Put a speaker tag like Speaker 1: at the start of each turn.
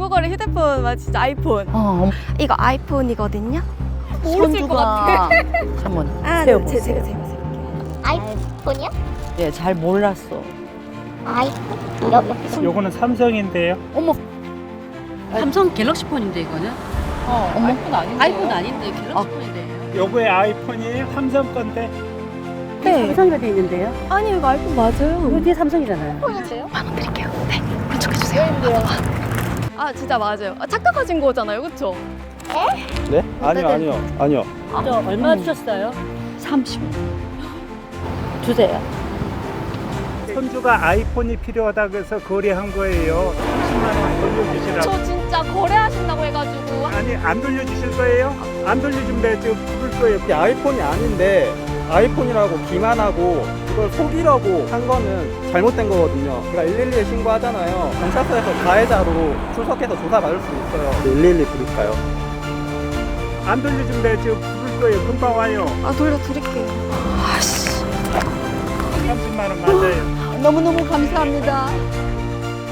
Speaker 1: 중고거래 휴대폰 막 진짜 아이폰. 이거 아이폰이거든요. 모르실 것 같아.
Speaker 2: 한번
Speaker 1: 제가
Speaker 2: 세워보세요.
Speaker 3: 아이폰이요?
Speaker 2: 예, 잘 몰랐어.
Speaker 3: 아이폰?
Speaker 4: 요거는 삼성인데요.
Speaker 5: 삼성 갤럭시 폰인데 이거는?
Speaker 2: 아이폰 아닌데.
Speaker 5: 아이폰 아닌데 갤럭시 폰인데.
Speaker 4: 요거의 아이폰이 삼성 건데
Speaker 1: 네.
Speaker 5: 삼성이가 돼 있는데요?
Speaker 1: 아니 이거 아이폰 맞아요.
Speaker 5: 이거 뒤에 삼성이잖아요.
Speaker 3: 폰인데요?
Speaker 1: 만원 드릴게요. 네. 만족해주세요. 아 진짜 맞아요. 착각하신 거잖아요, 그렇죠?
Speaker 6: 네? 아니요.
Speaker 5: 저 얼마 주셨어요?
Speaker 2: 30. 주세요.
Speaker 4: 손주가 아이폰이 필요하다 그래서 거래한 거예요. 30만 원 돌려주시라고.
Speaker 1: 저 진짜 거래하신다고 해가지고.
Speaker 4: 아니 안 돌려주실 거예요? 안 돌려주면 내가 지금 부를 거예요.
Speaker 6: 이게 아이폰이 아닌데 아이폰이라고 기만하고 이걸 속이려고 한 거는 잘못된 거거든요. 그러니까 112에 신고하잖아요. 경찰서에서 가해자로 출석해서 조사받을 수 있어요. 112 부를까요?
Speaker 4: 안 돌려주면 내가 지금 부를 거예요. 금방 와요.
Speaker 1: 아 돌려드릴게요.
Speaker 4: 30만 원 맞아요.
Speaker 2: 너무너무 감사합니다.